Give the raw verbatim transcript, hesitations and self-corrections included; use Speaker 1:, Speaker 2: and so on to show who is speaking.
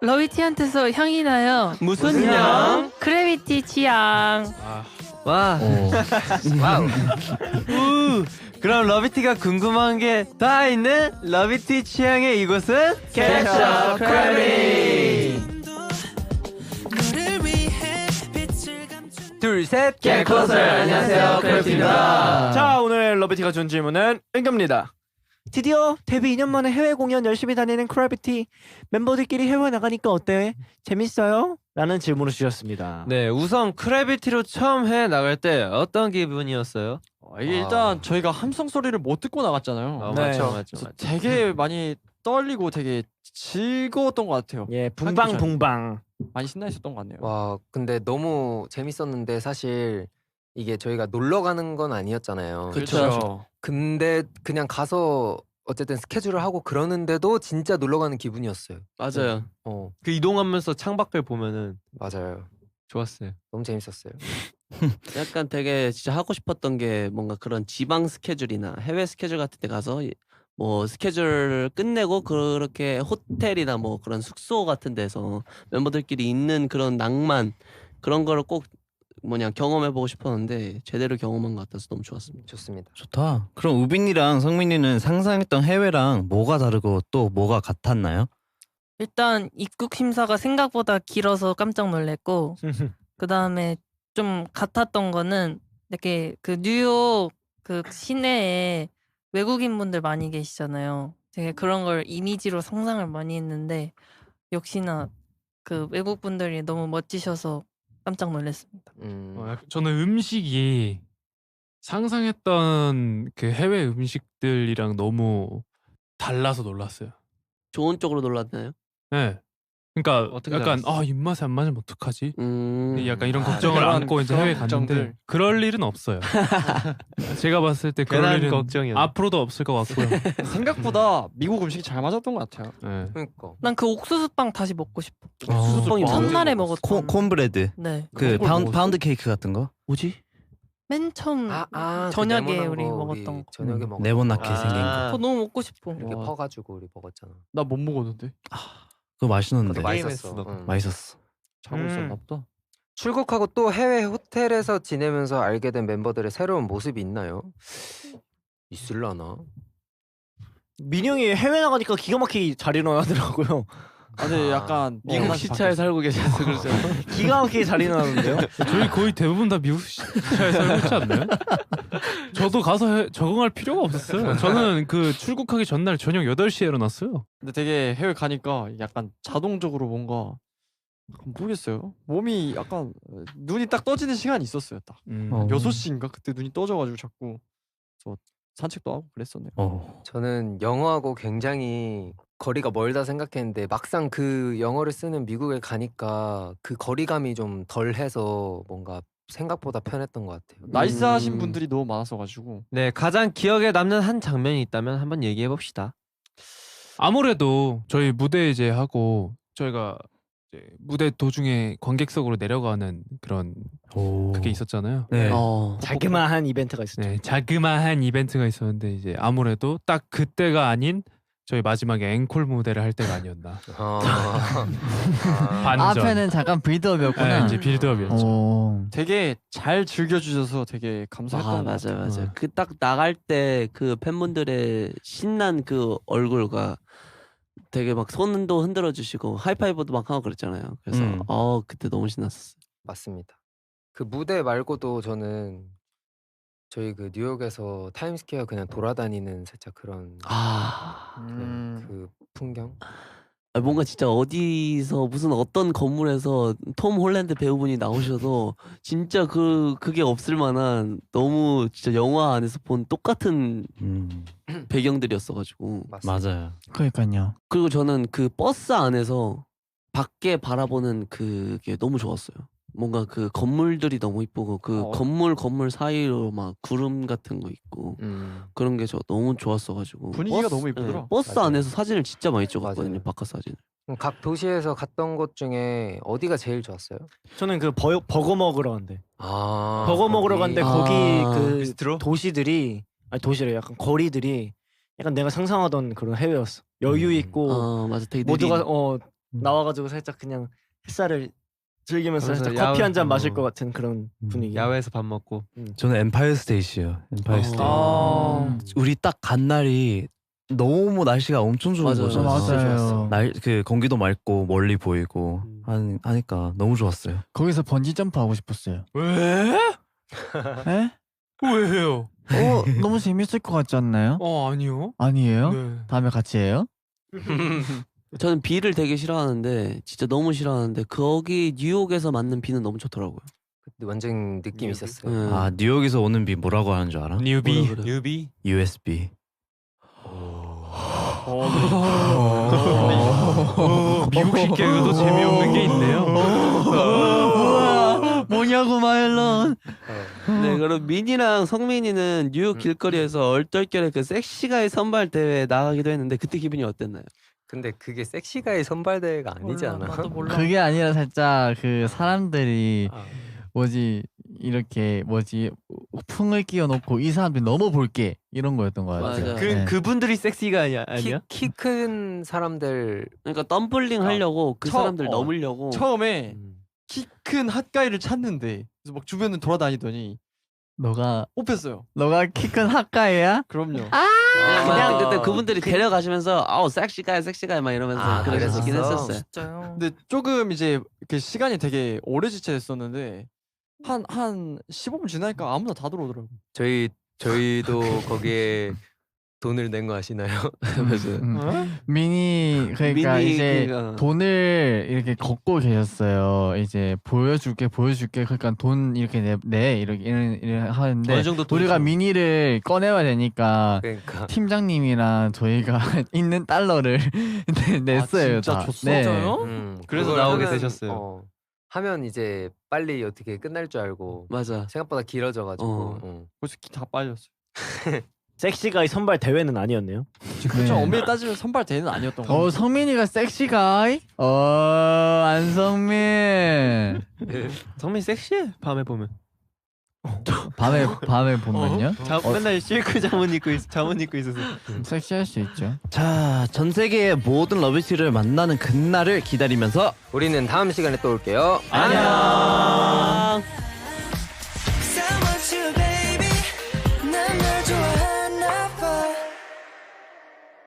Speaker 1: 러비티한테서 향이 나요.
Speaker 2: 무슨 향?
Speaker 1: 크래비티 취향.
Speaker 2: 아. 와.
Speaker 3: 와우.
Speaker 2: 우. 그럼 러비티가 궁금한 게 다 있는 러비티 취향의 이곳은
Speaker 3: 케첩 크래비.
Speaker 2: 둘, 셋,
Speaker 3: Get Closer. 안녕하세요, 크래비티입니다.
Speaker 2: 자, 오늘 러비티가 준 질문은 은규입니다. 드디어 데뷔 이 년 만에 해외 공연 열심히 다니는 크래비티. 멤버들끼리 해외 나가니까 어때? 재밌어요? 라는 질문을 주셨습니다. 네, 우선 크래비티로 처음 해외 나갈 때 어떤 기분이었어요?
Speaker 4: 어, 이게 일단
Speaker 3: 아.
Speaker 4: 저희가 함성 소리를 못 듣고 나갔잖아요.
Speaker 2: 어,
Speaker 3: 네.
Speaker 2: 맞죠, 맞죠,
Speaker 4: 그래서
Speaker 2: 맞죠.
Speaker 4: 되게 많이 떨리고 되게 즐거웠던 것 같아요.
Speaker 2: 예, 붕방붕방.
Speaker 4: 많이 신나 있었던 것 같네요.
Speaker 3: 와, 근데 너무 재밌었는데 사실 이게 저희가 놀러 가는 건 아니었잖아요.
Speaker 4: 그렇죠.
Speaker 3: 근데 그냥 가서 어쨌든 스케줄을 하고 그러는데도 진짜 놀러 가는 기분이었어요.
Speaker 2: 맞아요.
Speaker 3: 어,
Speaker 2: 그 이동하면서 창밖을 보면은
Speaker 3: 맞아요.
Speaker 2: 좋았어요.
Speaker 3: 너무 재밌었어요.
Speaker 5: 약간 되게 진짜 하고 싶었던 게 뭔가 그런 지방 스케줄이나 해외 스케줄 같은 데 가서 뭐 스케줄을 끝내고 그렇게 호텔이나 뭐 그런 숙소 같은 데서 멤버들끼리 있는 그런 낭만 그런 거를 꼭 뭐냐 경험해보고 싶었는데 제대로 경험한 것 같아서 너무 좋았습니다.
Speaker 3: 좋습니다.
Speaker 6: 좋다. 그럼 우빈이랑 성민이는 상상했던 해외랑 뭐가 다르고 또 뭐가 같았나요?
Speaker 1: 일단 입국 심사가 생각보다 길어서 깜짝 놀랐고 그 다음에 좀 같았던 거는 이렇게 그 뉴욕 그 시내에 외국인 분들 많이 계시잖아요. 되게 그런 걸 이미지로 상상을 많이 했는데 역시나 그 외국 분들이 너무 멋지셔서 깜짝 놀랐습니다.
Speaker 3: 음,
Speaker 7: 어, 약- 저는 음식이 상상했던 그 해외 음식들이랑 너무 달라서 놀랐어요.
Speaker 5: 좋은 쪽으로 놀랐나요?
Speaker 7: 네. 그러니까
Speaker 2: 어떻게
Speaker 7: 약간
Speaker 2: 달랐어?
Speaker 7: 아 입맛에 안 맞으면 어떡하지?
Speaker 5: 음...
Speaker 7: 약간 이런
Speaker 3: 아,
Speaker 7: 걱정을
Speaker 4: 그런-
Speaker 7: 안고 이제
Speaker 4: 그런
Speaker 7: 해외 갔는데
Speaker 4: 걱정들.
Speaker 7: 그럴 일은 없어요. 제가 봤을 때 그럴
Speaker 2: 괜한
Speaker 7: 일은
Speaker 2: 걱정이었네.
Speaker 7: 앞으로도 없을 것 같고요.
Speaker 4: 생각보다 미국 음식이 잘 맞았던 것 같아요.
Speaker 7: 네.
Speaker 3: 그러니까
Speaker 1: 난 그 옥수수빵 다시 먹고 싶어.
Speaker 5: 수수빵이 뭐예요?
Speaker 1: 첫날에
Speaker 3: 먹었어.
Speaker 1: 먹었던.
Speaker 6: 콘, 콘브레드.
Speaker 1: 네.
Speaker 6: 그
Speaker 4: 그걸
Speaker 6: 파운드,
Speaker 4: 먹었어?
Speaker 6: 파운드 케이크 같은 거?
Speaker 5: 뭐지?
Speaker 1: 맨 처음
Speaker 3: 아, 아, 그
Speaker 1: 저녁에
Speaker 3: 네모난
Speaker 1: 우리
Speaker 3: 거
Speaker 1: 먹었던
Speaker 3: 우리
Speaker 1: 거.
Speaker 3: 저녁에
Speaker 6: 음,
Speaker 3: 먹었던
Speaker 6: 네모나게
Speaker 3: 거.
Speaker 6: 생긴 거.
Speaker 1: 그거 너무 먹고 싶어.
Speaker 3: 이렇게
Speaker 4: 와.
Speaker 3: 퍼가지고 우리 먹었잖아.
Speaker 4: 나 못 먹었는데.
Speaker 6: 그거 맛있는데.
Speaker 3: 그것도
Speaker 2: 맛있었어.
Speaker 3: 맛있었어. 응.
Speaker 6: 맛있었어.
Speaker 4: 자고
Speaker 2: 음.
Speaker 4: 있었나 보다.
Speaker 3: 출국하고 또 해외 호텔에서 지내면서 알게 된 멤버들의 새로운 모습이 있나요? 있을라나?
Speaker 2: 민영이 해외 나가니까 기가 막히게 잘 일어나더라고요.
Speaker 4: 아, 근데
Speaker 3: 아.
Speaker 4: 약간
Speaker 5: 미국
Speaker 4: 마음이
Speaker 5: 시차에
Speaker 4: 바뀌었어.
Speaker 5: 살고 계셔서 그러죠.
Speaker 2: 기가 막히게 잘 일어나는데요.
Speaker 7: 저희 거의 대부분 다 미국 시차에 살고 있지 않나요? 저도 가서 해, 적응할 필요가 없었어요. 저는 그 출국하기 전날 저녁 여덟 시에 일어났어요.
Speaker 4: 근데 되게 해외 가니까 약간 자동적으로 뭔가 약간 모르겠어요. 몸이 약간 어, 눈이 딱 떠지는 시간이 있었어요. 딱
Speaker 7: 음.
Speaker 6: 어.
Speaker 4: 여섯 시인가 그때 눈이 떠져가지고 자꾸 저 산책도 하고 그랬었네요.
Speaker 6: 어.
Speaker 3: 저는 영어하고 굉장히 거리가 멀다 생각했는데 막상 그 영어를 쓰는 미국에 가니까 그 거리감이 좀 덜해서 뭔가 생각보다 편했던 것 같아요.
Speaker 4: 나이스하신
Speaker 5: 음.
Speaker 4: 분들이 너무 많았어가지고
Speaker 2: 네, 가장 기억에 남는 한 장면이 있다면 한번 얘기해 봅시다.
Speaker 7: 아무래도 저희 무대 이제 하고 저희가 이제 무대 도중에 관객석으로 내려가는 그런
Speaker 6: 오.
Speaker 7: 그게 있었잖아요.
Speaker 6: 네.
Speaker 5: 어...
Speaker 2: 자그마한 이벤트가 있었죠.
Speaker 7: 네, 자그마한 이벤트가 있었는데 이제 아무래도 딱 그때가 아닌 저희 마지막에 앵콜 무대를 할 때가 아니었나.
Speaker 3: 아,
Speaker 7: 반전.
Speaker 8: 앞에는 잠깐 빌드업이었구나.
Speaker 7: 네, 이제 빌드업이었죠.
Speaker 8: 오.
Speaker 4: 되게 잘 즐겨주셔서 되게 감사했던
Speaker 5: 아
Speaker 4: 것
Speaker 5: 맞아요
Speaker 4: 같아요.
Speaker 5: 맞아요.
Speaker 7: 어.
Speaker 5: 그 딱 나갈 때 그 팬분들의 신난 그 얼굴과 되게 막 손도 흔들어 주시고 하이파이브도 막 하고 그랬잖아요. 그래서
Speaker 6: 음.
Speaker 5: 어 그때 너무 신났었어요.
Speaker 3: 맞습니다. 그 무대 말고도 저는 저희 그 뉴욕에서 타임스퀘어 그냥 돌아다니는 살짝 그런
Speaker 5: 아
Speaker 3: 그냥
Speaker 4: 음.
Speaker 3: 그 풍경.
Speaker 5: 아, 뭔가 진짜 어디서 무슨 어떤 건물에서 톰 홀랜드 배우분이 나오셔도 진짜 그 그게 없을 만한 너무 진짜 영화 안에서 본 똑같은
Speaker 6: 음.
Speaker 5: 배경들이었어가지고
Speaker 3: 맞습니다.
Speaker 6: 맞아요.
Speaker 8: 그러니까요.
Speaker 5: 그리고 저는 그 버스 안에서 밖에 바라보는 그게 너무 좋았어요. 뭔가 그 건물들이 너무 이쁘고 그
Speaker 4: 어.
Speaker 5: 건물 건물 사이로 막 구름 같은 거 있고
Speaker 3: 음,
Speaker 5: 그런 게 저 너무 좋았어가지고
Speaker 4: 분위기가
Speaker 5: 버스,
Speaker 4: 너무 이쁘더라.
Speaker 5: 네, 버스
Speaker 3: 맞아요.
Speaker 5: 안에서 사진을 진짜 많이 찍었거든요.
Speaker 3: 맞아요.
Speaker 5: 바깥 사진을.
Speaker 3: 그럼 각 도시에서 갔던 곳 중에 어디가 제일 좋았어요?
Speaker 2: 저는 그 버, 버거 먹으러 갔는데
Speaker 3: 아,
Speaker 2: 버거 먹으러 갔는데
Speaker 5: 아.
Speaker 2: 거기 그
Speaker 7: 비스트로?
Speaker 2: 도시들이 아니 도시래 약간 거리들이 약간 내가 상상하던 그런 해외였어. 여유
Speaker 6: 음.
Speaker 2: 있고
Speaker 5: 아 맞아 되게
Speaker 2: 모두가
Speaker 5: 느린.
Speaker 2: 어 나와가지고 살짝 그냥 햇살을 즐기면서
Speaker 4: 그래서
Speaker 2: 살짝
Speaker 4: 야외-
Speaker 2: 커피 한 잔 마실
Speaker 4: 어.
Speaker 2: 것 같은 그런
Speaker 6: 음.
Speaker 2: 분위기.
Speaker 4: 야외에서 밥 먹고.
Speaker 6: 저는 엠파이어 스테이시요. 엠파이어 스테이.
Speaker 2: 아.
Speaker 6: 우리 딱 간 날이 너무 날씨가 엄청 좋은
Speaker 5: 맞아요.
Speaker 6: 거죠.
Speaker 8: 맞아요.
Speaker 6: 날 그 공기도 맑고 멀리 보이고
Speaker 2: 음.
Speaker 6: 한, 하니까 너무 좋았어요.
Speaker 8: 거기서 번지 점프 하고 싶었어요.
Speaker 7: 왜?
Speaker 8: 에?
Speaker 7: 왜요?
Speaker 8: 어 너무 재밌을 것 같지 않나요?
Speaker 7: 어 아니요.
Speaker 8: 아니에요?
Speaker 7: 네.
Speaker 8: 다음에 같이 해요?
Speaker 5: 저는 비를 되게 싫어하는데 진짜 너무 싫어하는데 거기 뉴욕에서 맞는 비는 너무 좋더라고요.
Speaker 3: 그때 완전 느낌 이 있었어요.
Speaker 5: 네.
Speaker 6: 아 뉴욕에서 오는 비 뭐라고 하는 줄 알아?
Speaker 7: 뉴비.
Speaker 5: 뭐라 그래?
Speaker 4: 뉴비.
Speaker 6: 유에스비.
Speaker 7: 어, 미국식 개그도 재미없는 게 있네요.
Speaker 8: 우와 뭐냐고 마일런.
Speaker 5: 네, 그럼 민이랑 성민이는 뉴욕 길거리에서 얼떨결에 그 섹시가이 선발 대회에 나가기도 했는데 그때 기분이 어땠나요?
Speaker 3: 근데 그게 섹시가의 선발대회가 아니지
Speaker 1: 몰라,
Speaker 3: 않아?
Speaker 1: 나도 몰라.
Speaker 8: 그게 아니라 살짝 그 사람들이
Speaker 3: 아,
Speaker 8: 뭐지 이렇게 뭐지 풍을 끼워놓고 이 사람들이 너무 볼게 이런 거였던 것 같아요.
Speaker 5: 맞아.
Speaker 4: 그
Speaker 8: 네.
Speaker 4: 그분들이 섹시가 아니야? 아니야?
Speaker 3: 키 큰 사람들
Speaker 5: 그러니까 덤블링 하려고 그
Speaker 4: 처-
Speaker 5: 사람들
Speaker 4: 어.
Speaker 5: 넘으려고
Speaker 4: 처음에
Speaker 3: 음,
Speaker 4: 키 큰 핫가이를 찾는데 그래서 막 주변을 돌아다니더니
Speaker 8: 너가
Speaker 4: 뽑혔어요.
Speaker 8: 너가 키 큰 핫가이야?
Speaker 4: 그럼요.
Speaker 5: 그냥
Speaker 3: 아,
Speaker 5: 그때 그분들이 데려가시면서 아우 섹시가이 섹시가이 막 이러면서
Speaker 3: 아,
Speaker 5: 그러시긴
Speaker 3: 그랬었어?
Speaker 5: 했었어요.
Speaker 1: 진짜요.
Speaker 4: 근데 조금 이제 그 시간이 되게 오래 지체됐었는데 한 한 십오 분 지나니까 아무나 다 들어오더라고.
Speaker 3: 저희 저희도 거기에 돈을 낸 거 아시나요?
Speaker 8: 음. 미니 그러니까
Speaker 5: 미니
Speaker 8: 이제
Speaker 5: 그러니까.
Speaker 8: 돈을 이렇게 걷고 계셨어요. 이제 보여줄게 보여줄게 그러니까 돈 이렇게 내, 내 이렇게 이런, 이런 하는데
Speaker 4: 어느 정도
Speaker 8: 우리가
Speaker 4: 돈이죠?
Speaker 8: 미니를 꺼내야 되니까
Speaker 3: 그러니까
Speaker 8: 팀장님이랑 저희가 있는 달러를 네, 냈어요.
Speaker 4: 진짜
Speaker 8: 다.
Speaker 4: 줬어?
Speaker 8: 네.
Speaker 1: 진짜요?
Speaker 3: 음,
Speaker 4: 그래서
Speaker 3: 그걸
Speaker 4: 나오게
Speaker 3: 하면,
Speaker 4: 되셨어요.
Speaker 3: 어, 하면 이제 빨리 어떻게 끝날 줄 알고
Speaker 5: 맞아.
Speaker 3: 생각보다 길어져가지고
Speaker 5: 어.
Speaker 3: 어.
Speaker 4: 벌써 키 다 빠졌어.
Speaker 2: 섹시가이 선발 대회는 아니었네요.
Speaker 4: 그렇죠.
Speaker 8: 네.
Speaker 4: 엄밀히 따지면 선발 대회는 아니었던 거.
Speaker 8: 어 성민이가 섹시가이? 어 안성민
Speaker 4: 성민 섹시해. 밤에 보면.
Speaker 8: 밤에 밤에 보면요
Speaker 4: 자,
Speaker 8: 어.
Speaker 4: 맨날 실크 잠옷 입고 있, 잠옷 입고 있어서.
Speaker 8: 섹시할 수 있죠.
Speaker 6: 자, 전 세계의 모든 러비티를 만나는 그날을 기다리면서
Speaker 3: 우리는 다음 시간에 또 올게요.
Speaker 6: 안녕.